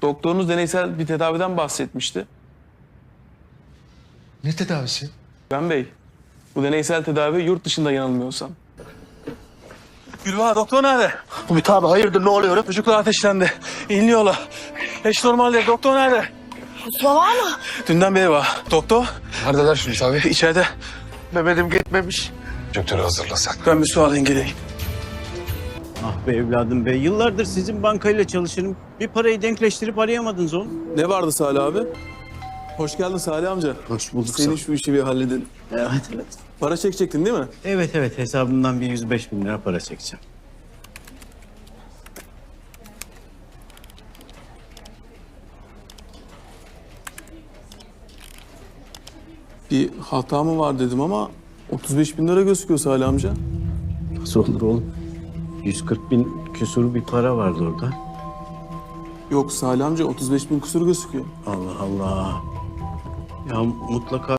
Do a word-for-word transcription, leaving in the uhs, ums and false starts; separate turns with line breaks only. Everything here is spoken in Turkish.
Doktorunuz deneysel bir tedaviden bahsetmişti.
Ne tedavisi?
Ben Bey, bu deneysel tedavi yurt dışında yanılmıyorsam. Gülbahar, doktor nerede?
Ümit abi hayırdır ne oluyor?
Çocuklar ateşlendi. İnliyorlar. Eş normal değil. Doktor nerede?
Mustafa var mı?
Dünden beri var. Doktor
Neredeler Ümit abi?
içeride.
Mehmet'im gitmemiş. Doktoru hazırla sen.
Ben bir su alayım geleyim.
Ah be evladım be. Yıllardır sizin bankayla çalışırım. Bir parayı denkleştirip arayamadınız oğlum.
Ne vardı Salih abi? Hoş geldin Salih amca.
Hoş bulduk.
Senin şu işi bir halledin.
Evet evet.
Para çekecektin değil mi?
Evet evet hesabımdan bir yüz beş bin lira para çekeceğim.
Bir hata mı var dedim ama otuz beş bin lira gözüküyor Salih amca.
Nasıl olur oğlum? yüz kırk bin küsur bir para vardı orada.
Yok Salih amca otuz beş bin kusur gözüküyor.
Allah Allah. Ya mutlaka